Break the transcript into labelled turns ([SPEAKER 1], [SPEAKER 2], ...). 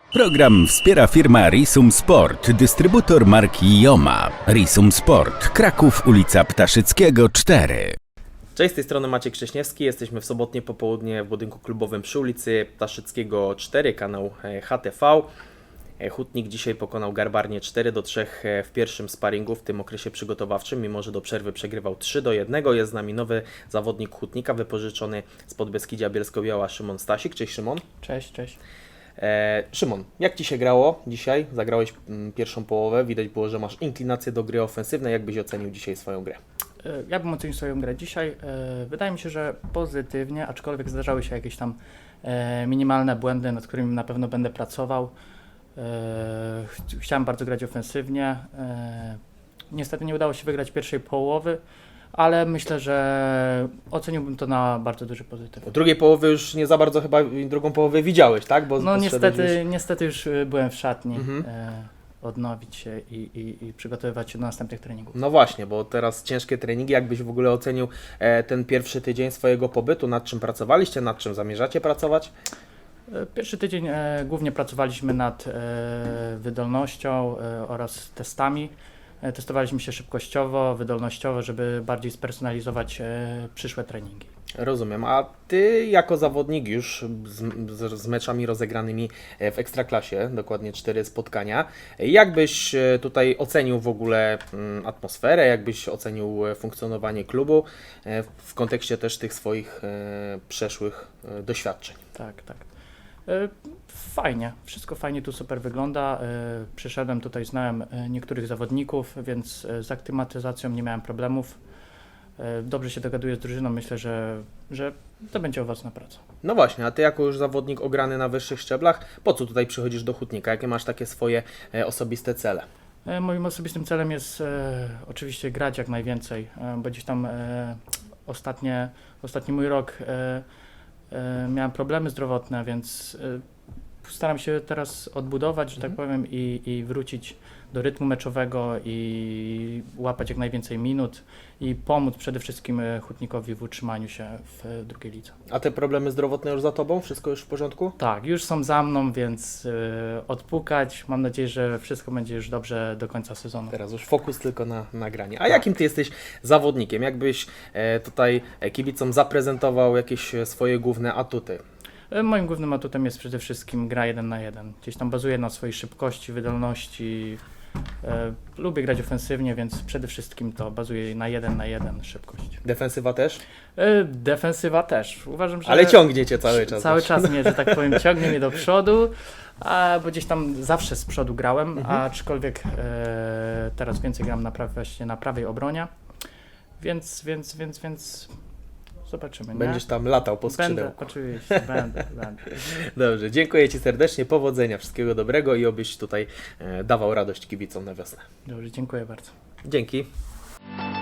[SPEAKER 1] Program wspiera firma Risum Sport, dystrybutor marki Joma. Risum Sport, Kraków, ulica Ptaszyckiego 4.
[SPEAKER 2] Cześć, z tej strony Maciek Krześniewski. Jesteśmy w sobotnie popołudnie w budynku klubowym przy ulicy Ptaszyckiego 4, kanał HTV. Hutnik dzisiaj pokonał Garbarnię 4-3 w pierwszym sparingu w tym okresie przygotowawczym, mimo że do przerwy przegrywał 3-1. Jest z nami nowy zawodnik Hutnika, wypożyczony z Podbeskidzia Bielsko-Biała, Szymon Stasik. Cześć Szymon.
[SPEAKER 3] Cześć, cześć.
[SPEAKER 2] Szymon, jak Ci się grało dzisiaj? Zagrałeś pierwszą połowę, widać było, że masz inklinację do gry ofensywnej. Jak byś ocenił dzisiaj swoją grę?
[SPEAKER 3] Ja bym ocenił swoją grę dzisiaj. Wydaje mi się, że pozytywnie, aczkolwiek zdarzały się jakieś tam minimalne błędy, nad którymi na pewno będę pracował. Chciałem bardzo grać ofensywnie. Niestety nie udało się wygrać pierwszej połowy, ale myślę, że oceniłbym to na bardzo duży pozytyw.
[SPEAKER 2] Po drugiej połowy już nie za bardzo chyba drugą połowę widziałeś, tak? Bo
[SPEAKER 3] No
[SPEAKER 2] poszedłeś
[SPEAKER 3] niestety już byłem w szatni. Odnowić się i przygotowywać się do następnych treningów.
[SPEAKER 2] No właśnie, bo teraz ciężkie treningi. Jakbyś w ogóle ocenił ten pierwszy tydzień swojego pobytu? Nad czym pracowaliście? Nad czym zamierzacie pracować?
[SPEAKER 3] Pierwszy tydzień głównie pracowaliśmy nad wydolnością oraz testami. Testowaliśmy się szybkościowo, wydolnościowo, żeby bardziej spersonalizować przyszłe treningi.
[SPEAKER 2] Rozumiem. A Ty jako zawodnik już z meczami rozegranymi w Ekstraklasie, dokładnie 4 spotkania, jak byś tutaj ocenił w ogóle atmosferę, jak byś ocenił funkcjonowanie klubu w kontekście też tych swoich przeszłych doświadczeń?
[SPEAKER 3] Tak. Fajnie, wszystko fajnie tu super wygląda. Przyszedłem tutaj, znałem niektórych zawodników, więc z aklimatyzacją nie miałem problemów. Dobrze się dogaduję z drużyną, myślę, że to będzie owocna praca.
[SPEAKER 2] No właśnie, a Ty jako już zawodnik ograny na wyższych szczeblach, po co tutaj przychodzisz do Hutnika? Jakie masz takie swoje osobiste cele?
[SPEAKER 3] Moim osobistym celem jest oczywiście grać jak najwięcej, bo gdzieś tam ostatni mój rok miałem problemy zdrowotne, więc staram się teraz odbudować, że tak powiem, i wrócić do rytmu meczowego i łapać jak najwięcej minut i pomóc przede wszystkim Hutnikowi w utrzymaniu się w drugiej lidze.
[SPEAKER 2] A te problemy zdrowotne już za Tobą? Wszystko już w porządku?
[SPEAKER 3] Tak, już są za mną, więc odpukać. Mam nadzieję, że wszystko będzie już dobrze do końca sezonu.
[SPEAKER 2] Teraz już fokus tylko na nagranie. A jakim Ty jesteś zawodnikiem? Jakbyś tutaj kibicom zaprezentował jakieś swoje główne atuty?
[SPEAKER 3] Moim głównym atutem jest przede wszystkim gra 1 na 1. Gdzieś tam bazuję na swojej szybkości, wydolności. Lubię grać ofensywnie, więc przede wszystkim to bazuje na 1 na 1 szybkość.
[SPEAKER 2] Defensywa też?
[SPEAKER 3] Defensywa też. Uważam, że...
[SPEAKER 2] Ale ciągnie Cię cały czas.
[SPEAKER 3] Cały czas mnie, że tak powiem, ciągnie mnie do przodu, bo gdzieś tam zawsze z przodu grałem, aczkolwiek teraz więcej gram właśnie na prawej obronie, więc zobaczymy. Nie?
[SPEAKER 2] Będziesz tam latał po skrzydełku.
[SPEAKER 3] Będę, oczywiście, będę.
[SPEAKER 2] Dobrze, dziękuję Ci serdecznie, powodzenia, wszystkiego dobrego i obyś tutaj dawał radość kibicom na wiosnę.
[SPEAKER 3] Dobrze, dziękuję bardzo.
[SPEAKER 2] Dzięki.